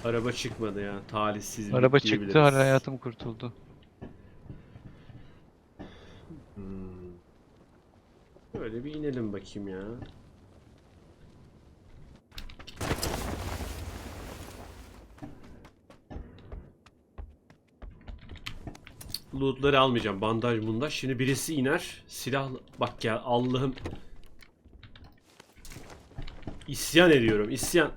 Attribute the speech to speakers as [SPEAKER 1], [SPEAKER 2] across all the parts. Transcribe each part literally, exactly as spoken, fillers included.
[SPEAKER 1] Araba çıkmadı ya. Talihsizlik
[SPEAKER 2] Araba çıktı,
[SPEAKER 1] diyebiliriz.
[SPEAKER 2] hala hayatım kurtuldu.
[SPEAKER 1] Hmm. Böyle bir inelim bakayım ya. Lootları almayacağım. Bandaj bundaj. Şimdi birisi iner. Silah... Bak ya Allah'ım. İsyan ediyorum. İsyan.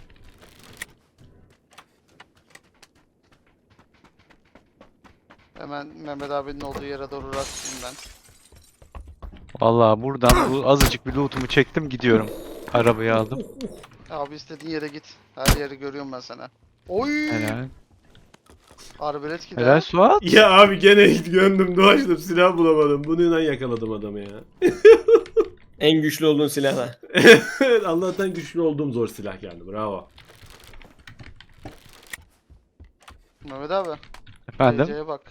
[SPEAKER 3] Hemen Mehmet abinin olduğu yere doğru rastlayayım ben.
[SPEAKER 2] Vallahi buradan bu azıcık bir lootumu çektim, gidiyorum. Arabayı aldım.
[SPEAKER 3] Abi istediğin yere git. Her yeri görüyorum ben sana. Oy!
[SPEAKER 2] Helal.
[SPEAKER 3] Arbelet gider.
[SPEAKER 2] Helal Suat.
[SPEAKER 1] Ya abi gene gönlüm dolaştım. Silah bulamadım. Bununla yakaladım adamı ya.
[SPEAKER 4] En güçlü olduğun silahla.
[SPEAKER 1] Evet, Allah'tan güçlü olduğum zor silah geldi. Bravo.
[SPEAKER 3] Mehmet abi.
[SPEAKER 2] Efendim?
[SPEAKER 3] D C'ye bak.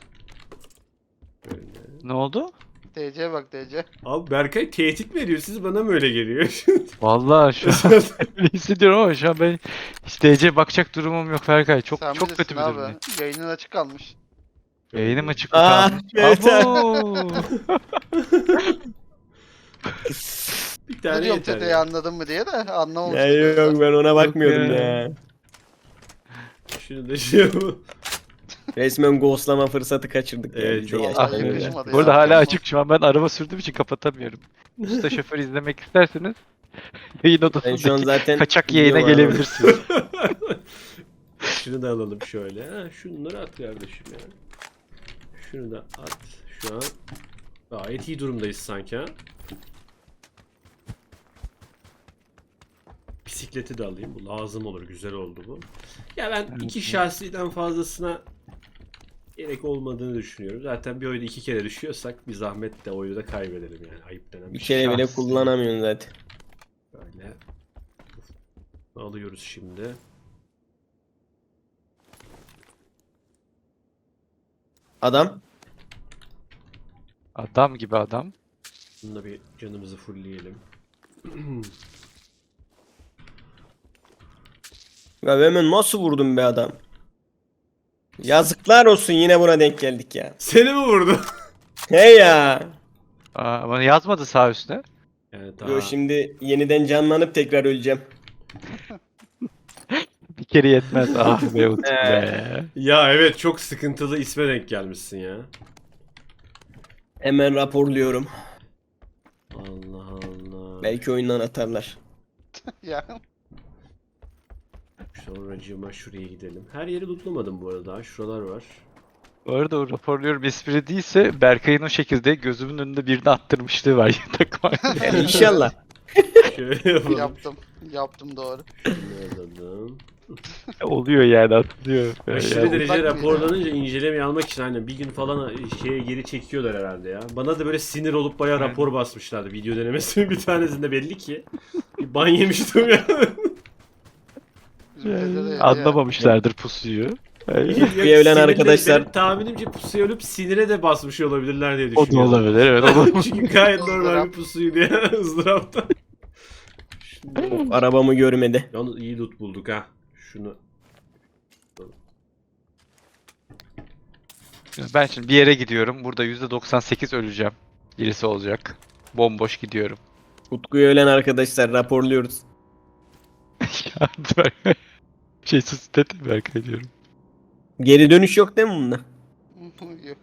[SPEAKER 2] Ne oldu?
[SPEAKER 3] D C'ye bak D C.
[SPEAKER 1] Abi Berkay tehdit mi ediyor? Siz bana mı öyle geliyor?
[SPEAKER 2] Vallahi şu an öyle hissediyorum ama şu an ben hiç D C bakacak durumum yok Ferkay. Çok
[SPEAKER 3] Sen
[SPEAKER 2] çok
[SPEAKER 3] bilirsin
[SPEAKER 2] kötü bir
[SPEAKER 3] abi.
[SPEAKER 2] durumdayım.
[SPEAKER 3] Yayının açık kalmış.
[SPEAKER 2] Yayınım açık mı
[SPEAKER 4] Aa,
[SPEAKER 2] kalmış?
[SPEAKER 4] evet.
[SPEAKER 2] Abo!
[SPEAKER 1] Bir
[SPEAKER 3] Ne
[SPEAKER 1] tane
[SPEAKER 3] diyorum
[SPEAKER 1] yeter
[SPEAKER 3] Tete'yi
[SPEAKER 1] ya.
[SPEAKER 3] anladın mı diye de anlamamış.
[SPEAKER 4] Ya
[SPEAKER 3] Tete.
[SPEAKER 4] yok ben ona bakmıyordum
[SPEAKER 2] ya.
[SPEAKER 4] ya.
[SPEAKER 1] Şunu da şey yapalım.
[SPEAKER 4] Resmen ghostlama fırsatı kaçırdık
[SPEAKER 1] Evet,
[SPEAKER 4] yani.
[SPEAKER 1] çok
[SPEAKER 4] Gerçekten
[SPEAKER 3] Vallahi
[SPEAKER 4] öyle.
[SPEAKER 3] yakışmadı
[SPEAKER 2] Bu arada
[SPEAKER 3] ya.
[SPEAKER 2] hala açık, şu an ben araba sürdüğüm için kapatamıyorum. Usta şoför izlemek isterseniz yayın
[SPEAKER 4] Ben şu an
[SPEAKER 2] odasındaki
[SPEAKER 4] zaten
[SPEAKER 2] kaçak yayına
[SPEAKER 4] gidiyorum abi.
[SPEAKER 2] gelebilirsiniz.
[SPEAKER 1] Şunu da alalım şöyle. Ha, şunları at kardeşim ya. Şunu da at. Şu an gayet iyi durumdayız sanki ha. Bisikleti de alayım. Bu lazım olur. Güzel oldu bu. Ya ben
[SPEAKER 2] Evet,
[SPEAKER 1] iki
[SPEAKER 2] evet.
[SPEAKER 1] şahsiden fazlasına gerek olmadığını düşünüyorum. Zaten bir oyunda iki kere düşüyorsak bir zahmet de oyunu da kaybedelim yani. Ayıp denen
[SPEAKER 4] Bir
[SPEAKER 1] bir şey.
[SPEAKER 4] kere bile
[SPEAKER 2] Şahsi.
[SPEAKER 4] kullanamıyorsun zaten.
[SPEAKER 1] Böyle alıyoruz şimdi.
[SPEAKER 4] Adam.
[SPEAKER 2] Adam gibi adam.
[SPEAKER 1] Bununla bir canımızı fullleyelim.
[SPEAKER 4] Ya hemen nasıl vurdun be adam? Yazıklar olsun, yine buna denk geldik ya.
[SPEAKER 1] Seni mi vurdu?
[SPEAKER 4] Hey ya.
[SPEAKER 2] Aa, ama yazmadı sağ üstüne.
[SPEAKER 1] Yani
[SPEAKER 4] Yo,
[SPEAKER 1] daha...
[SPEAKER 4] şimdi yeniden canlanıp tekrar öleceğim.
[SPEAKER 2] Bir kere yetmez. Ah be Utku
[SPEAKER 4] Ee.
[SPEAKER 2] be.
[SPEAKER 1] Ya evet, çok sıkıntılı isme denk gelmişsin ya.
[SPEAKER 4] Hemen raporluyorum.
[SPEAKER 1] Allah Allah.
[SPEAKER 4] Belki oyundan atarlar.
[SPEAKER 3] Ya.
[SPEAKER 1] Sonracığıma şuraya gidelim. Her yeri lootlamadım bu arada. Şuralar var.
[SPEAKER 2] Bu arada o raporluyorum espri değilse Berkay'ın o şekilde gözümün önünde birini attırmışlığı var yatak var.
[SPEAKER 4] Yani inşallah.
[SPEAKER 1] Şöyle yapalım.
[SPEAKER 3] Yaptım. Yaptım doğru.
[SPEAKER 1] Şunu alalım.
[SPEAKER 2] Oluyor yani, atılıyor.
[SPEAKER 1] Aşırı
[SPEAKER 2] Yani,
[SPEAKER 1] derece
[SPEAKER 3] Bak mıydı?
[SPEAKER 1] raporlanınca incelemeye almak için aynen bir gün falan şeye geri çekiyorlar herhalde ya. Bana da böyle sinir olup bayağı
[SPEAKER 2] Aynen.
[SPEAKER 1] rapor basmışlardı video denemesinin bir tanesinde, belli ki. Bir ban yemiştim ya.
[SPEAKER 3] Bizim Tete de yedi ya.
[SPEAKER 2] anlamamışlardır pusuyu. Yani,
[SPEAKER 1] Bir
[SPEAKER 4] evlen arkadaşlar-
[SPEAKER 1] Benim tahminimce pusuya ölüp sinire de basmış olabilirler diye
[SPEAKER 2] o da
[SPEAKER 1] düşünüyorum.
[SPEAKER 2] olabilir, evet. O da
[SPEAKER 1] Çünkü gayet normal bir
[SPEAKER 3] Izdırap.
[SPEAKER 1] pusuydu ya, ızdırapta.
[SPEAKER 4] Of, arabamı görmedi.
[SPEAKER 1] Yalnız iyi loot bulduk ha. Şunu.
[SPEAKER 2] Ben şimdi bir yere gidiyorum. Burada yüzde doksan sekiz öleceğim. Birisi olacak. Bomboş gidiyorum.
[SPEAKER 4] Utku'yu ölen arkadaşlar raporluyoruz.
[SPEAKER 2] Ya, Berkay. Şey sus dedi Berkay diyorum.
[SPEAKER 4] Geri dönüş yok değil mi bunda?
[SPEAKER 3] Yok.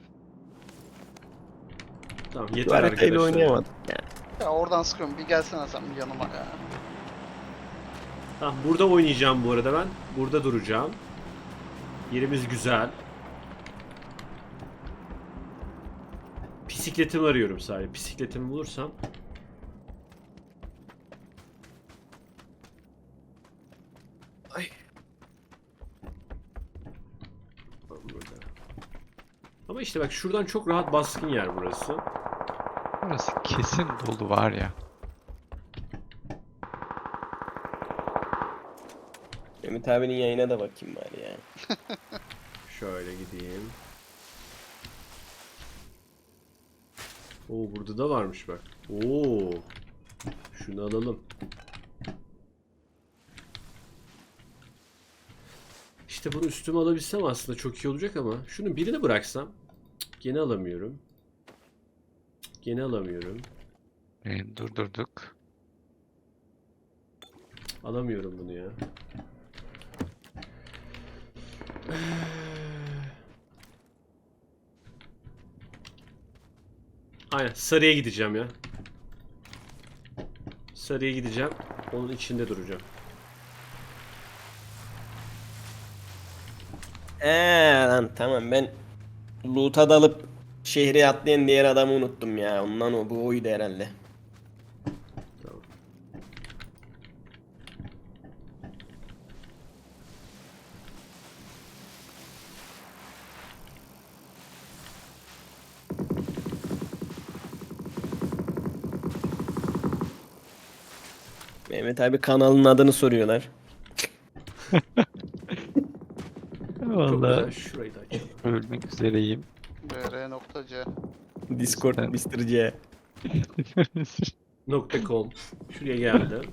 [SPEAKER 1] Tamam
[SPEAKER 4] Bu
[SPEAKER 1] yeter
[SPEAKER 4] haritayla
[SPEAKER 1] arkadaşlar.
[SPEAKER 4] oynayamadım. Ya.
[SPEAKER 3] Ya oradan sıkıyorum. Bir gelsene sen bir yanıma ya.
[SPEAKER 1] Tamam, burada oynayacağım bu arada ben. Burada duracağım. Yerimiz güzel. Bisikletimi arıyorum sadece. Bisikletimi bulursam.
[SPEAKER 4] Ay.
[SPEAKER 1] Tamam, burada. Ama işte bak, şuradan çok rahat baskın yer burası.
[SPEAKER 2] Burası kesin dolu var ya.
[SPEAKER 4] Ümit abinin yayına da bakayım bari ya.
[SPEAKER 1] Şöyle gideyim. Oo, burada da varmış bak. Oo. Şunu alalım. İşte bunu üstüme alabilsem aslında çok iyi olacak ama şunun birini bıraksam cık, gene alamıyorum. Cık, Gene alamıyorum.
[SPEAKER 2] E, durdurduk.
[SPEAKER 1] Alamıyorum bunu ya. Aynen sarıya gideceğim ya. Sarıya gideceğim. Onun içinde duracağım.
[SPEAKER 4] Eee lan tamam ben loot'a dalıp şehre atlayan diğer adamı unuttum ya. Ondan o bu oydu herhalde.
[SPEAKER 1] Tamam.
[SPEAKER 4] Mehmet abi kanalın adını soruyorlar.
[SPEAKER 1] Çok
[SPEAKER 2] Vallahi
[SPEAKER 1] güzel. Şurayı da açalım.
[SPEAKER 2] ölmek üzereyim.
[SPEAKER 3] br.c
[SPEAKER 4] Discord
[SPEAKER 2] Ben-
[SPEAKER 4] mister C.
[SPEAKER 1] Nokta .com. Şuraya geldim.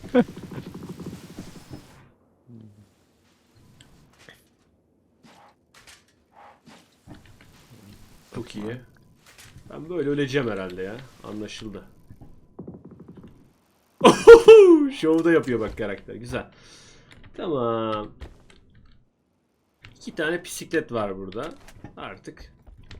[SPEAKER 1] Çok iyi. Ben böyle öleceğim herhalde ya. Anlaşıldı. Şovda yapıyor bak karakter. Güzel. Tamam. İki tane bisiklet var burada. Artık.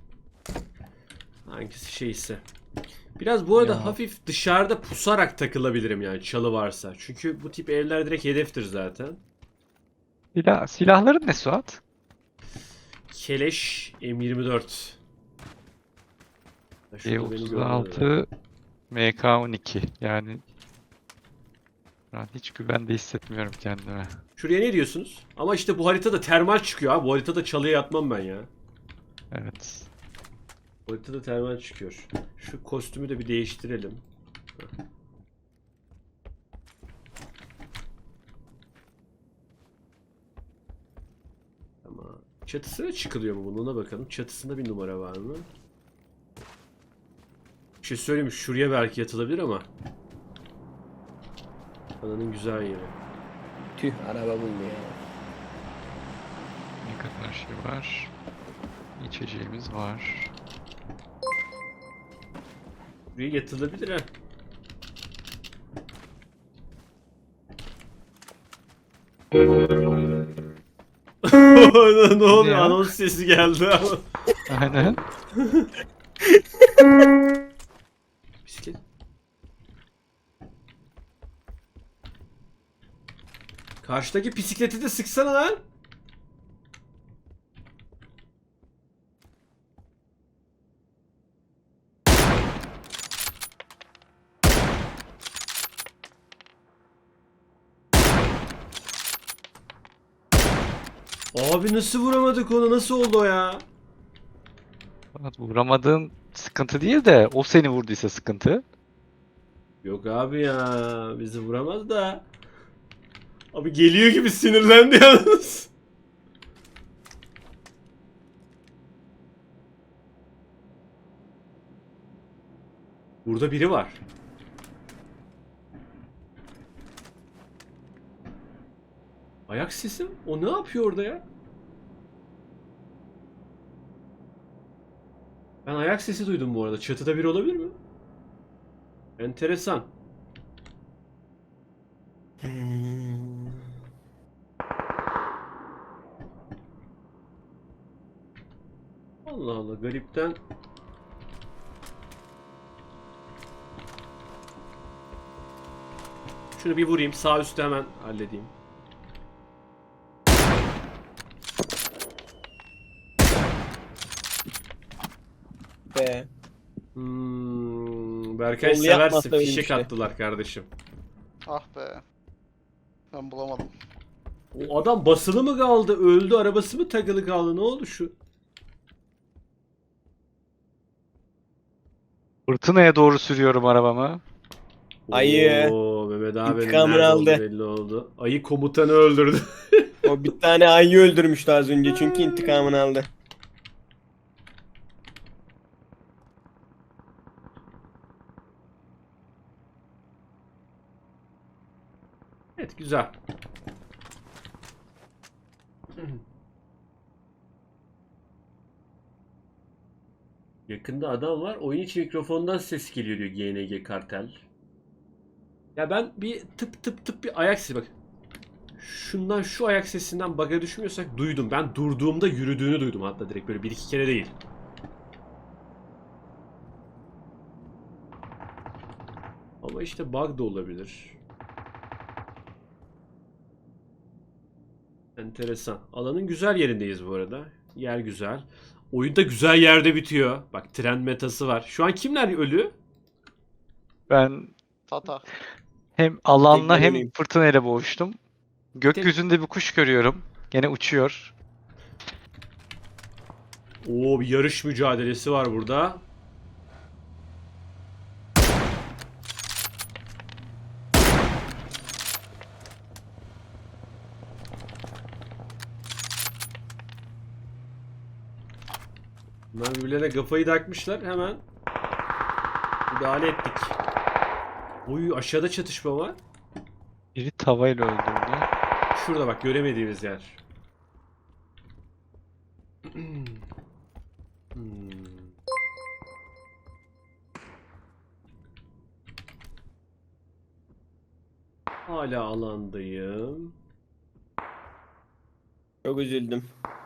[SPEAKER 1] Hangisi şeyse. Biraz bu arada
[SPEAKER 2] Ya.
[SPEAKER 1] hafif dışarıda pusarak takılabilirim yani çalı varsa. Çünkü bu tip evler direkt hedeftir zaten.
[SPEAKER 2] Silah, silahların ne Suat?
[SPEAKER 1] Keleş M yirmi dört. Şurada beni görmedi.
[SPEAKER 2] E otuz altı M K on iki. Yani ben hiç güvende hissetmiyorum kendime.
[SPEAKER 1] Şuraya ne diyorsunuz? Ama işte bu haritada termal çıkıyor abi. Bu haritada çalıya yatmam ben ya.
[SPEAKER 2] Evet.
[SPEAKER 1] Bu haritada termal çıkıyor. Şu kostümü de bir değiştirelim. Heh. Tamam. Çatısına çıkılıyor mu bunun? Ona bakalım. Çatısında bir numara var mı? Bir şey söyleyeyim mi? Şuraya belki yatılabilir ama. Ananın güzel yeri.
[SPEAKER 4] Tüh araba buldu ya.
[SPEAKER 2] Ne kadar şey var. İçeceğimiz var.
[SPEAKER 1] Buraya yatılabilir ha. Ne oluyor?
[SPEAKER 2] ya?
[SPEAKER 1] Anons sesi geldi ama.
[SPEAKER 2] Aynen.
[SPEAKER 1] Bisiklet. Karşıdaki bisikleti de sıksana lan. Abi nasıl vuramadık onu? Nasıl oldu o ya?
[SPEAKER 2] Suat, vuramadığın sıkıntı değil de o seni vurduysa sıkıntı.
[SPEAKER 1] Yok abi ya. Bizi vuramaz da. Abi geliyor gibi sinirlendi yalnız. Burada biri var. Ayak sesi mi? O ne yapıyor orada ya? Ben ayak sesi duydum bu arada. Çatıda biri olabilir mi? Enteresan. Allah Allah garipten. Şunu bir vurayım. Sağ üstte hemen halledeyim.
[SPEAKER 4] Be.
[SPEAKER 1] Hmm, Berkay
[SPEAKER 4] Kolu
[SPEAKER 1] seversin.
[SPEAKER 4] yapmasa öyle bir
[SPEAKER 1] Fişek
[SPEAKER 4] şey.
[SPEAKER 1] attılar kardeşim.
[SPEAKER 3] Ah be. Ben bulamadım.
[SPEAKER 1] O adam basılı mı kaldı? Öldü. Arabası mı takılı kaldı? Ne oldu şu?
[SPEAKER 2] Fırtınaya doğru sürüyorum arabamı.
[SPEAKER 4] Ayı.
[SPEAKER 1] Oo, Mehmet abinin
[SPEAKER 4] İntikamını
[SPEAKER 1] nerede olduğu
[SPEAKER 4] aldı.
[SPEAKER 1] belli oldu. Ayı komutanı öldürdü.
[SPEAKER 4] O bir tane ayı öldürmüştü az önce çünkü intikamını aldı.
[SPEAKER 1] Evet güzel. Yakında adam var. Oyun içi mikrofondan ses geliyor diyor G N G Kartel. Ya ben bir tıp tıp tıp bir ayak sesi bak. Şundan şu ayak sesinden bug'a düşmüyorsak duydum. Ben durduğumda yürüdüğünü duydum hatta direkt böyle bir iki kere değil. Ama işte bug da olabilir. Enteresan. Alanın güzel yerindeyiz bu arada. Yer güzel. Oyun da güzel yerde bitiyor. Bak tren metası var. Şu an kimler ölü?
[SPEAKER 2] Ben
[SPEAKER 3] Tata.
[SPEAKER 2] hem alanla
[SPEAKER 4] ben
[SPEAKER 2] hem
[SPEAKER 4] öleyim.
[SPEAKER 2] fırtınayla boğuştum. Gökyüzünde bir kuş görüyorum. Gene uçuyor.
[SPEAKER 1] Oo bir yarış mücadelesi var burada. Bunlar birbirlerine kafayı takmışlar. Hemen müdahale ettik. Oy aşağıda çatışma var.
[SPEAKER 2] Biri tavayla öldürdü.
[SPEAKER 1] Şurada bak göremediğimiz yer. Hmm. Hala alandayım.
[SPEAKER 4] Çok üzüldüm.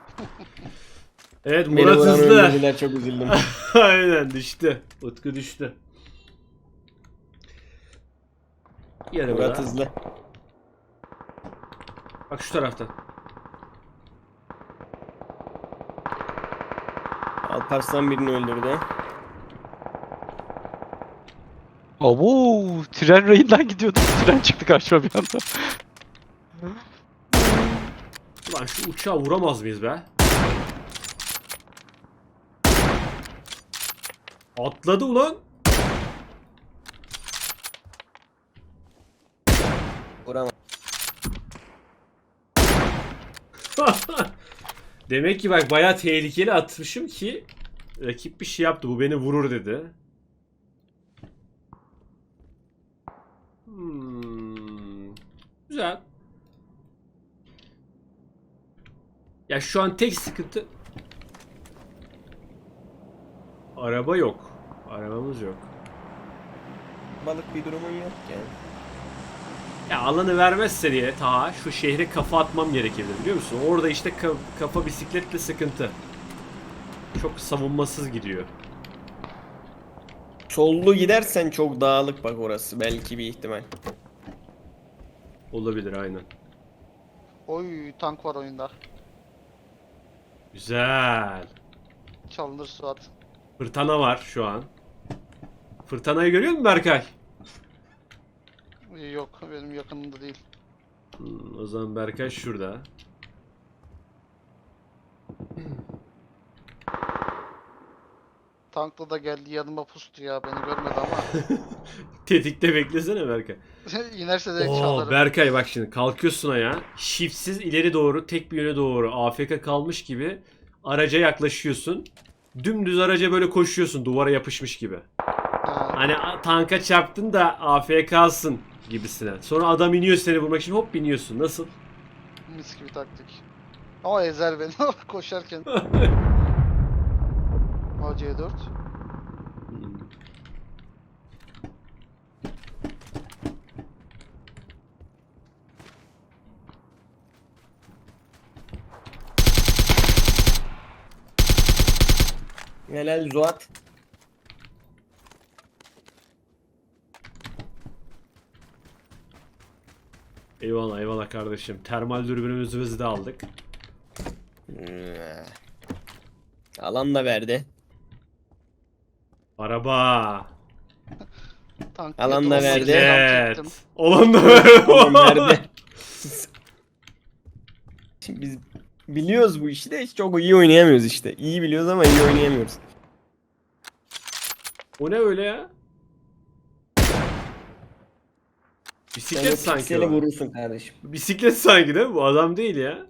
[SPEAKER 1] Evet
[SPEAKER 4] Beni
[SPEAKER 1] Murat
[SPEAKER 4] vuran
[SPEAKER 1] hızlı.
[SPEAKER 4] öldürdüler, çok üzüldüm.
[SPEAKER 1] Aynen düştü. Utku düştü. Yere
[SPEAKER 4] Murat
[SPEAKER 1] bırak.
[SPEAKER 4] hızlı.
[SPEAKER 1] Bak şu taraftan.
[SPEAKER 4] Alparslan birini öldürdü.
[SPEAKER 2] Abo, tren rayından gidiyordum. Tren çıktı karşıma bir anda.
[SPEAKER 1] Ulan şu uçağı vuramaz mıyız be? Atladı ulan.
[SPEAKER 4] Vuramam.
[SPEAKER 1] Demek ki bak bayağı tehlikeli atmışım ki rakip bir şey yaptı. Bu beni vurur dedi. Hmm. Güzel. Ya şu an tek sıkıntı araba yok. Arabamız yok.
[SPEAKER 4] Balık bir durumun yok yani.
[SPEAKER 1] Ya alanı vermezse diye ta şu şehre kafa atmam gerekebilir biliyor musun? Orada işte ka- kafa bisikletle sıkıntı. Çok savunmasız gidiyor.
[SPEAKER 4] Sollu gidersen çok dağlık bak orası. Belki bir ihtimal.
[SPEAKER 1] Olabilir aynen.
[SPEAKER 3] Oy tank var oyunda.
[SPEAKER 1] Güzel.
[SPEAKER 3] Çalınır Suat.
[SPEAKER 1] Fırtına var şu an. Fırtınayı görüyor musun Berkay?
[SPEAKER 3] Ee, Yok benim yakınımda değil.
[SPEAKER 1] Hmm, o zaman Berkay şurada.
[SPEAKER 3] Tankla da geldi yanıma pustu ya beni görmedi ama.
[SPEAKER 1] Tetikte beklesene Berkay.
[SPEAKER 3] İnerse direkt
[SPEAKER 1] Oo,
[SPEAKER 3] çalarım.
[SPEAKER 1] Berkay bak şimdi kalkıyorsun ayağa. Shiftsiz ileri doğru tek bir yöne doğru A F K kalmış gibi araca yaklaşıyorsun. Dümdüz araca böyle koşuyorsun duvara yapışmış gibi.
[SPEAKER 3] Ha,
[SPEAKER 1] Hani a- tanka çarptın da A F K'sın gibisine. Sonra adam iniyor seni vurmak için hop biniyorsun. Nasıl?
[SPEAKER 3] mis gibi taktik. Ama ezer beni koşarken. A C dört.
[SPEAKER 4] Helal Zuat.
[SPEAKER 1] Eyvallah eyvallah kardeşim. Termal dürbünümüzü de aldık.
[SPEAKER 4] Alan da verdi.
[SPEAKER 1] Araba.
[SPEAKER 3] Tank
[SPEAKER 4] Alan da
[SPEAKER 3] yakın
[SPEAKER 4] verdi.
[SPEAKER 3] olmak için tank çektim.
[SPEAKER 1] Evet. Olan da ver.
[SPEAKER 4] Tamam verdi. Şimdi biz biliyoruz bu işi de çok iyi oynayamıyoruz işte. İyi biliyoruz ama iyi oynayamıyoruz.
[SPEAKER 1] O ne öyle ya?
[SPEAKER 4] Sen
[SPEAKER 1] Bisiklet
[SPEAKER 4] o
[SPEAKER 1] sanki
[SPEAKER 4] pikseli
[SPEAKER 1] o.
[SPEAKER 4] vurursun kardeşim.
[SPEAKER 1] Bisiklet sanki değil mi? Bu adam değil ya.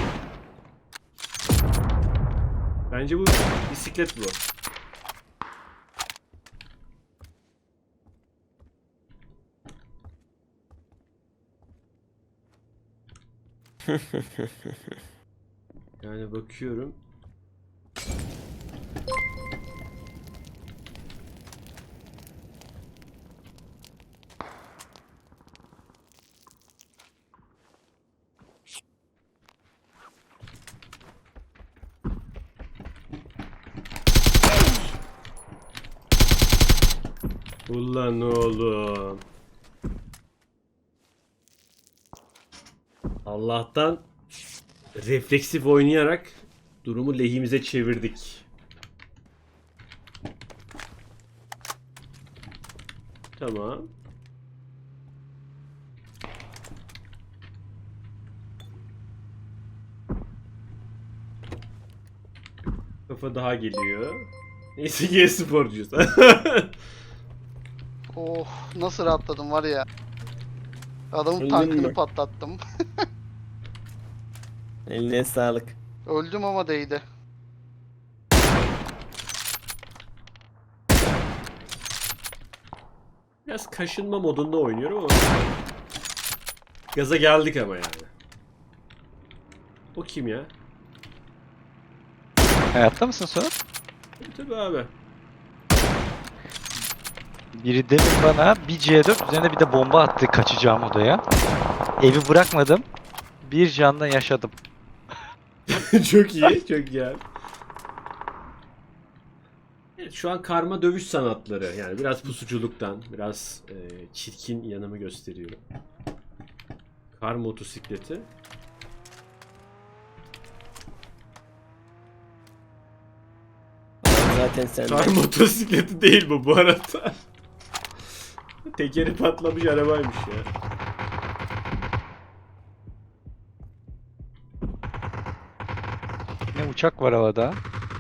[SPEAKER 1] Bence bu bisiklet bu. Yani bakıyorum. Ulan oğlum. Allah'tan refleksif oynayarak durumu lehimize çevirdik. Tamam. Kafa daha geliyor. Neyse ki e-sporcuyuz.
[SPEAKER 3] Oh nasıl rahatladım var ya. Adamın
[SPEAKER 4] Öldün
[SPEAKER 3] tankını
[SPEAKER 4] mü?
[SPEAKER 3] patlattım.
[SPEAKER 4] Eline sağlık.
[SPEAKER 3] Öldüm ama değdi.
[SPEAKER 1] Biraz kaşınma modunda oynuyorum ama gaza geldik ama yani. O kim ya?
[SPEAKER 2] Hayatta mısın Suat?
[SPEAKER 1] Tabii abi.
[SPEAKER 2] Biri demin bana bir C dört üzerine bir de bomba attı kaçacağım odaya. Evi bırakmadım. Bir canla yaşadım.
[SPEAKER 1] Çok iyi, çok iyi abi. Evet, şu an karma dövüş sanatları. Yani biraz pusuculuktan, biraz e, çirkin yanımı gösteriyorum. Kar motosikleti.
[SPEAKER 4] Zaten sen
[SPEAKER 1] Kar motosikleti değil bu bu arada. Tekeri patlamış arabaymış ya.
[SPEAKER 2] Ne uçak var havada.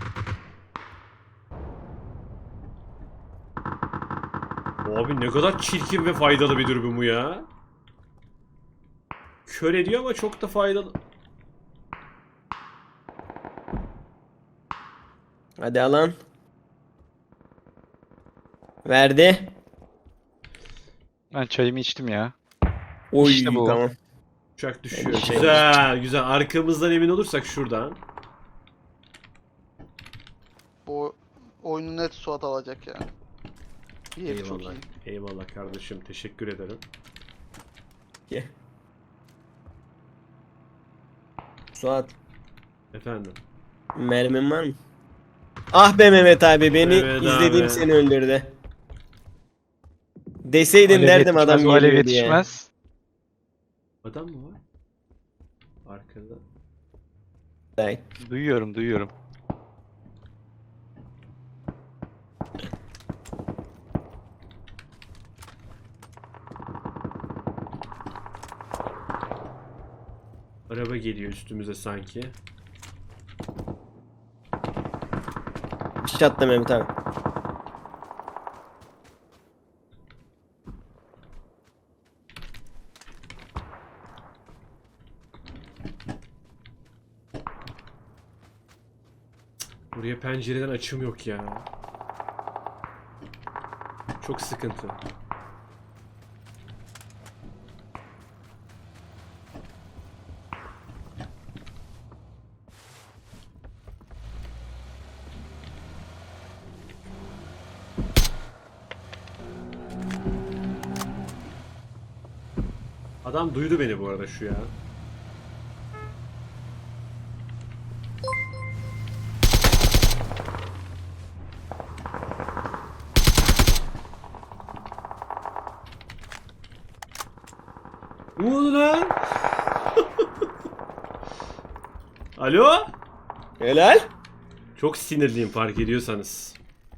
[SPEAKER 1] Abi ne kadar çirkin ve faydalı bir dürbün bu ya. Kör ediyor ama çok da faydalı.
[SPEAKER 4] Hadi alan. Verdi.
[SPEAKER 2] Ben çayımı içtim ya.
[SPEAKER 4] Oy
[SPEAKER 2] İşte bu.
[SPEAKER 4] tamam.
[SPEAKER 1] Uçak düşüyor.
[SPEAKER 4] Şey-
[SPEAKER 1] Güzel, güzel. Arkamızdan emin olursak şuradan.
[SPEAKER 3] Bu oyunu net Suat alacak ya. Yeri çok
[SPEAKER 1] Eyvallah.
[SPEAKER 3] iyi.
[SPEAKER 1] Eyvallah kardeşim. Teşekkür ederim.
[SPEAKER 4] Gel. Suat,
[SPEAKER 1] Efendim.
[SPEAKER 4] mermin var mı? Ah be Mehmet abi, beni
[SPEAKER 1] Evet
[SPEAKER 4] izlediğim
[SPEAKER 1] abi.
[SPEAKER 4] seni öldürdü. Deseydin
[SPEAKER 2] Alev
[SPEAKER 4] derdim adam
[SPEAKER 2] yetişmez, o alev
[SPEAKER 4] geliyor diye.
[SPEAKER 2] yetişmez.
[SPEAKER 1] Adam mı var? Arkada.
[SPEAKER 4] Ay,
[SPEAKER 2] Duyuyorum duyuyorum.
[SPEAKER 1] Araba geliyor üstümüze sanki.
[SPEAKER 4] bir şey attı Mehmet abi.
[SPEAKER 1] Buraya pencereden açım yok ya. Çok sıkıntı. Adam duydu beni bu arada şu ya. Ne oldu lan? Alo?
[SPEAKER 4] Helal.
[SPEAKER 1] Çok sinirliyim fark ediyorsanız.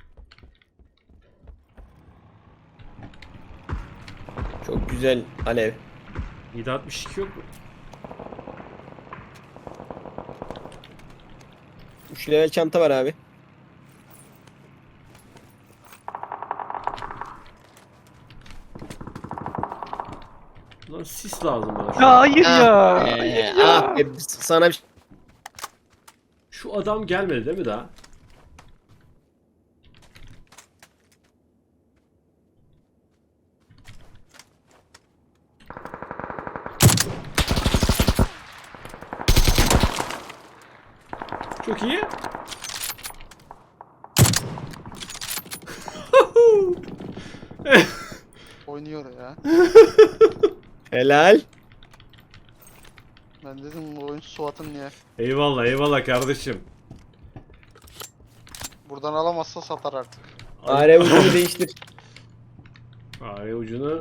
[SPEAKER 4] Çok güzel alev.
[SPEAKER 1] yedi altmış iki yok mu?
[SPEAKER 4] üç level çanta var abi.
[SPEAKER 1] Lan sis lazım bana şu
[SPEAKER 2] Ya
[SPEAKER 1] an.
[SPEAKER 2] hayır ya.
[SPEAKER 4] Ee,
[SPEAKER 2] Hayır ya.
[SPEAKER 4] ah be, sana bir şey-
[SPEAKER 1] Şu adam gelmedi değil mi daha? Çok iyi.
[SPEAKER 3] Oynuyor ya.
[SPEAKER 4] Helal.
[SPEAKER 3] Ben dedim bu oyun Suat'ın niye?
[SPEAKER 1] Eyvallah eyvallah kardeşim.
[SPEAKER 3] Buradan alamazsa satar artık.
[SPEAKER 4] Are ucunu değiştir.
[SPEAKER 1] Fare ucunu.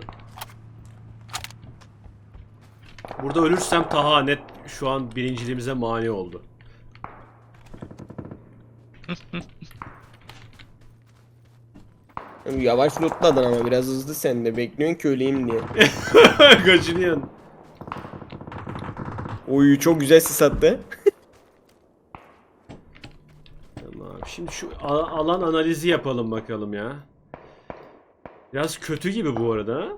[SPEAKER 1] Burada ölürsem Taha net şu an birinciliğimize mani oldu.
[SPEAKER 4] Yavaş lootladın ama biraz hızlı sen de. Bekliyorsun ki öleyim diye.
[SPEAKER 1] Kaçınıyorsun.
[SPEAKER 4] Oy çok güzel sis attı.
[SPEAKER 1] Tamam. Şimdi şu a- alan analizi yapalım bakalım ya. Biraz kötü gibi bu arada. ha?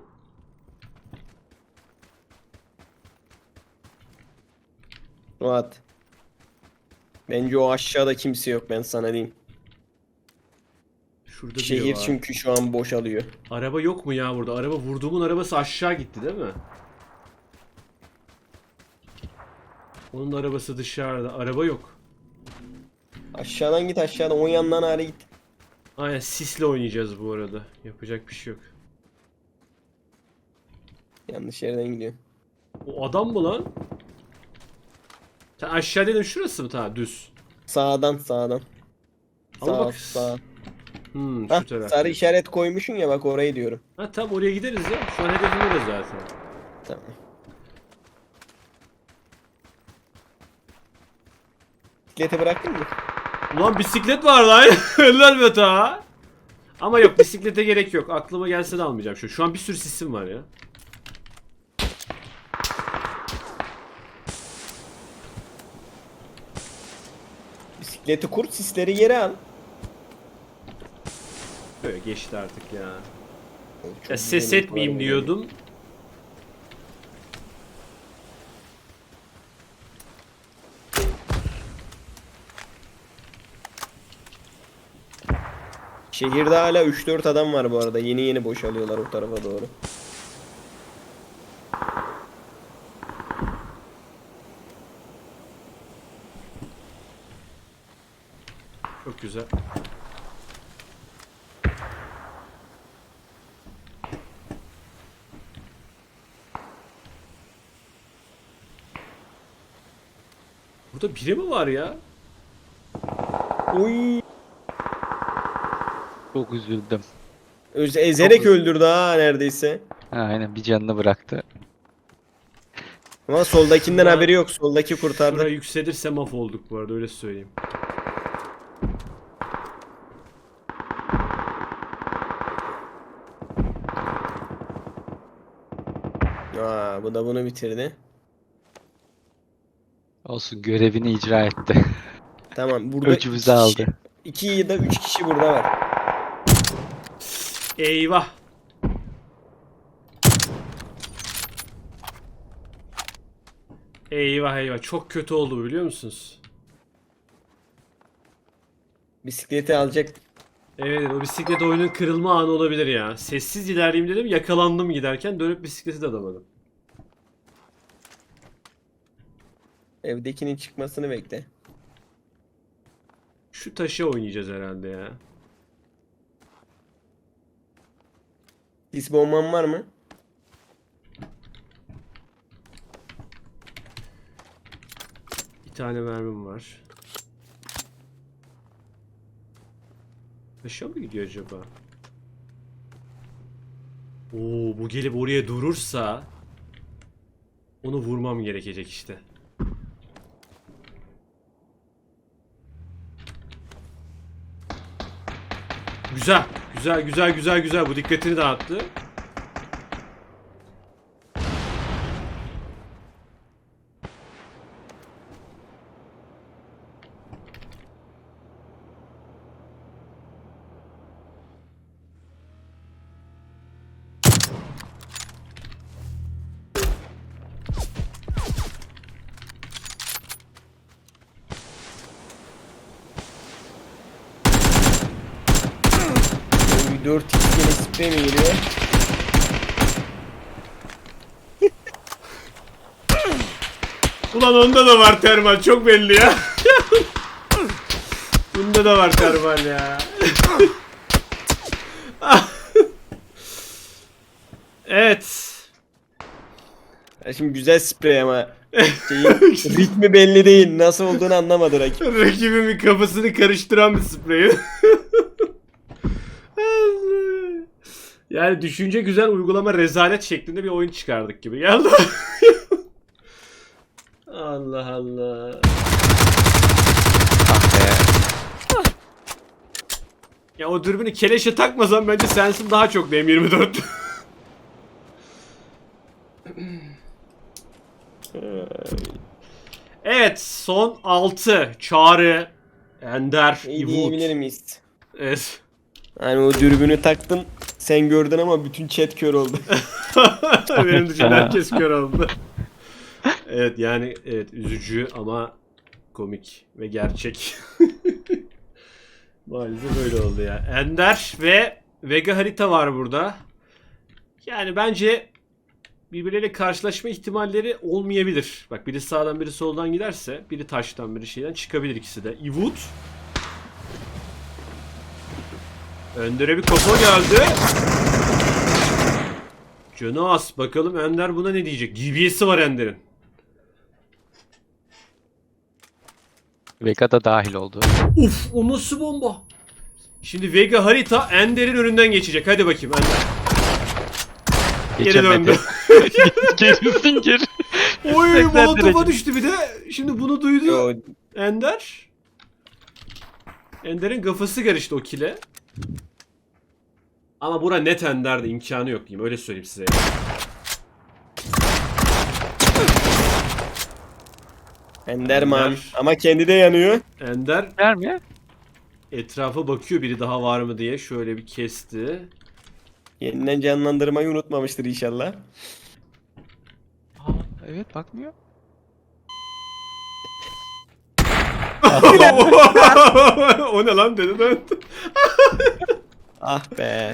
[SPEAKER 4] Rahat. Bence o aşağıda kimse yok ben sana diyeyim.
[SPEAKER 1] Şurada biri
[SPEAKER 4] Şehir
[SPEAKER 1] var.
[SPEAKER 4] çünkü şu an boşalıyor.
[SPEAKER 1] Araba yok mu ya burada? Araba vurduğumun arabası aşağı gitti değil mi? Onun arabası dışarıda. Araba yok.
[SPEAKER 4] Aşağıdan git aşağıdan o yandan ağrı git.
[SPEAKER 1] Aynen sisle oynayacağız bu arada. Yapacak bir şey yok.
[SPEAKER 4] Yanlış yerden gidiyor.
[SPEAKER 1] O adam mı lan? Sen aşağı dedin şurası mı ta düz?
[SPEAKER 4] Sağdan sağdan.
[SPEAKER 1] Ama
[SPEAKER 4] Sağ
[SPEAKER 1] bak-
[SPEAKER 4] sağ.
[SPEAKER 1] Hmm
[SPEAKER 4] Hah,
[SPEAKER 1] şu taraf.
[SPEAKER 4] sarı işaret koymuşsun ya bak orayı diyorum.
[SPEAKER 1] Ha tamam oraya gideriz ya. Şu an hedefim orası zaten.
[SPEAKER 4] Tamam. Bisikleti bıraktın mı?
[SPEAKER 1] Ulan bisiklet var lan. Helal be ta. Ama yok bisiklete gerek yok. Aklıma gelse de almayacağım şu. Şu an bir sürü sisim var ya.
[SPEAKER 4] Bisikleti kur sisleri geri al.
[SPEAKER 1] Böyle geçti artık ya.
[SPEAKER 4] Çok
[SPEAKER 1] Ya ses
[SPEAKER 4] güzel
[SPEAKER 1] etmeyeyim
[SPEAKER 4] var
[SPEAKER 1] diyordum.
[SPEAKER 4] Şehirde hala üç dört adam var bu arada. Yeni yeni boşalıyorlar o tarafa doğru.
[SPEAKER 1] Çok güzel. Burada biri mi var ya?
[SPEAKER 4] Oy.
[SPEAKER 2] Çok üzüldüm.
[SPEAKER 4] Öz ezerek
[SPEAKER 1] Çok-
[SPEAKER 4] öldürdü ha neredeyse.
[SPEAKER 2] Ha, aynen bir canını bıraktı.
[SPEAKER 4] Ama soldakinden
[SPEAKER 1] Şurada-
[SPEAKER 4] haberi yok. Soldaki kurtardı.
[SPEAKER 1] Şuraya yükselirse mahvolduk bu arada öyle söyleyeyim.
[SPEAKER 4] Aa, bu da bunu bitirdi.
[SPEAKER 2] Olsun görevini icra etti.
[SPEAKER 4] Tamam burada
[SPEAKER 2] Öcümüzü
[SPEAKER 4] iki
[SPEAKER 2] aldı.
[SPEAKER 4] kişi, iki ya da üç kişi burada var.
[SPEAKER 1] Eyvah. Eyvah eyvah çok kötü oldu bu biliyor musunuz?
[SPEAKER 4] Bisikleti alacak.
[SPEAKER 1] Evet o bisiklet oyunun kırılma anı olabilir ya. Sessiz ilerleyeyim dedim yakalandım giderken dönüp bisikleti de alamadım.
[SPEAKER 4] Evdekinin çıkmasını bekle.
[SPEAKER 1] Şu taşı oynayacağız herhalde ya.
[SPEAKER 4] Sis bomban var mı?
[SPEAKER 1] Bir tane mermim var. Taşa mı gidiyor acaba? Oo bu gelip oraya durursa onu vurmam gerekecek işte. Güzel. Güzel güzel güzel güzel bu dikkatini dağıttı.
[SPEAKER 4] Oy, dört x yine sprey mi geliyor?
[SPEAKER 1] Ulan onda da var termal çok belli ya. Bunda da var termal ya. Evet.
[SPEAKER 4] Ya şimdi güzel sprey ama şeyin ritmi belli değil. Nasıl olduğunu anlamadı rakip.
[SPEAKER 1] Rakibimin kafasını karıştıran bir sprey. Yani düşünce güzel, uygulama rezalet şeklinde bir oyun çıkardık gibi geldi. Allah Allah.
[SPEAKER 2] Ah be.
[SPEAKER 1] Ya o dürbünü keleşe takmasan bence sensin daha çok M yirmi dört. Evet, son altı. Çağrı, Ender,
[SPEAKER 4] İyi
[SPEAKER 1] İvut.
[SPEAKER 4] diyebilir miyiz?
[SPEAKER 1] Evet.
[SPEAKER 4] Hani o dürbünü taktın sen gördün ama bütün chat kör oldu.
[SPEAKER 1] Benim dışında herkes kör oldu. Evet yani evet üzücü ama komik ve gerçek. Maalesef öyle oldu ya. Ender ve Vega harita var burada. Yani bence birbirleriyle karşılaşma ihtimalleri olmayabilir. Bak biri sağdan biri soldan giderse biri taştan biri şeyden çıkabilir ikisi de. İvut. Önder'e bir kafa geldi. Canı az. Bakalım Ender buna ne diyecek? D B S'i var Ender'in.
[SPEAKER 2] Vega da dahil oldu.
[SPEAKER 1] Uf, o nasıl bomba? Şimdi Vega harita Ender'in önünden geçecek. Hadi bakayım Ender. Geri
[SPEAKER 2] Geçemedi.
[SPEAKER 1] döndü.
[SPEAKER 2] Gerisin geri.
[SPEAKER 1] Oy,
[SPEAKER 2] seksen
[SPEAKER 1] molotofa
[SPEAKER 2] derece.
[SPEAKER 1] düştü bir de. Şimdi bunu duydu
[SPEAKER 4] Yo,
[SPEAKER 1] Ender. Ender'in kafası karıştı o kile. Ama bura net Ender'de, imkanı yok diyeyim. Öyle söyleyeyim size.
[SPEAKER 4] Enderman.
[SPEAKER 1] Ender.
[SPEAKER 4] Ama kendi de yanıyor.
[SPEAKER 1] Ender
[SPEAKER 2] Ver mi?
[SPEAKER 1] etrafa bakıyor biri daha var mı diye. Şöyle bir kesti.
[SPEAKER 4] Yeniden canlandırmayı unutmamıştır inşallah.
[SPEAKER 2] Aa, evet bakmıyor.
[SPEAKER 1] O ne lan dedi ben.
[SPEAKER 4] Ah be.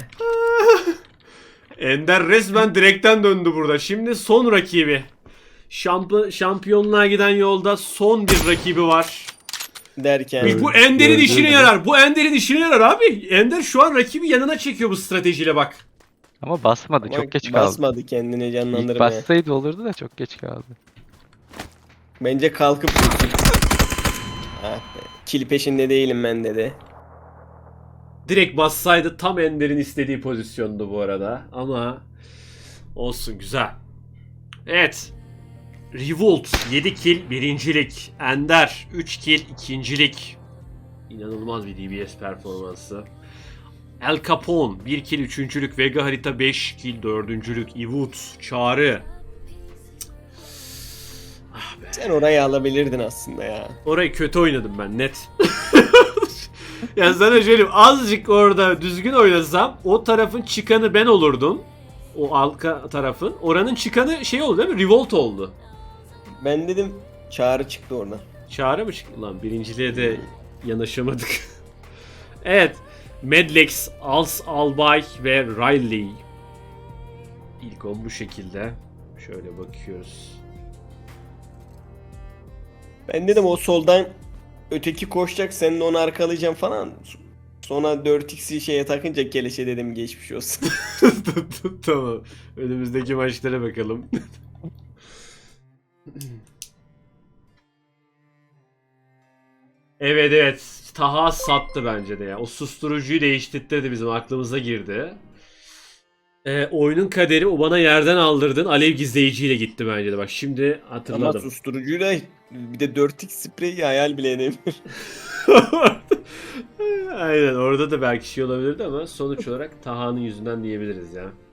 [SPEAKER 1] Ender resmen direkten döndü burada. Şimdi son rakibi. Şamp şampiyonluğa giden yolda son bir rakibi var.
[SPEAKER 4] Derken.
[SPEAKER 1] Bu Ender'in
[SPEAKER 2] Gördüm.
[SPEAKER 1] işine yarar. Bu Ender'in işine yarar abi. Ender şu an rakibi yanına çekiyor bu stratejiyle bak.
[SPEAKER 2] Ama basmadı.
[SPEAKER 4] Ama
[SPEAKER 2] Çok geç kaldı.
[SPEAKER 4] basmadı kendini
[SPEAKER 2] İlk
[SPEAKER 4] canlandırmaya.
[SPEAKER 2] bassaydı olurdu da çok geç kaldı.
[SPEAKER 4] Bence kalkıp vursun. Ah be. Kill peşinde değilim ben dedi.
[SPEAKER 1] Direkt bassaydı tam Ender'in istediği pozisyondu bu arada. Ama olsun, güzel. Evet. Revolt yedi kill birincilik. Ender üç kill ikincilik. İnanılmaz bir D B S performansı. El Capone bir kill üçüncülük. Vega harita beş kill dördüncülük. Ivut, Çağrı. Ah be.
[SPEAKER 4] Sen orayı alabilirdin aslında ya.
[SPEAKER 1] Orayı kötü oynadım ben net. Ya sana söyleyeyim, azıcık orada düzgün oynasam o tarafın çıkanı ben olurdum. O arka tarafın. Oranın çıkanı şey oldu değil mi? Revolt oldu.
[SPEAKER 4] Ben dedim çağrı çıktı oradan.
[SPEAKER 1] Çağrı mı çıktı lan? Birinciliğe de yanaşamadık. Evet. Medlex, Als Albay ve Riley. İlk on bu şekilde. Şöyle bakıyoruz.
[SPEAKER 4] Ben dedim o soldan öteki koşacak sen de onu arkalayacaksın falan. Sonra dört x'i şeye takınca keleşe dedim geçmiş olsun.
[SPEAKER 1] Tamam. Önümüzdeki maçlara bakalım. Evet evet. Taha sattı bence de ya. O susturucuyu değiştirdi, bizim aklımıza girdi. Ee, oyunun kaderi o bana yerden aldırdın alev gizleyiciyle gitti bence de. Bak şimdi
[SPEAKER 4] Ama
[SPEAKER 1] hatırladım.
[SPEAKER 4] susturucuyla bir de dört x spreyi hayal bile edemiyorum.
[SPEAKER 1] Aynen, orada da belki şey olabilirdi ama sonuç olarak Taha'nın yüzünden diyebiliriz ya.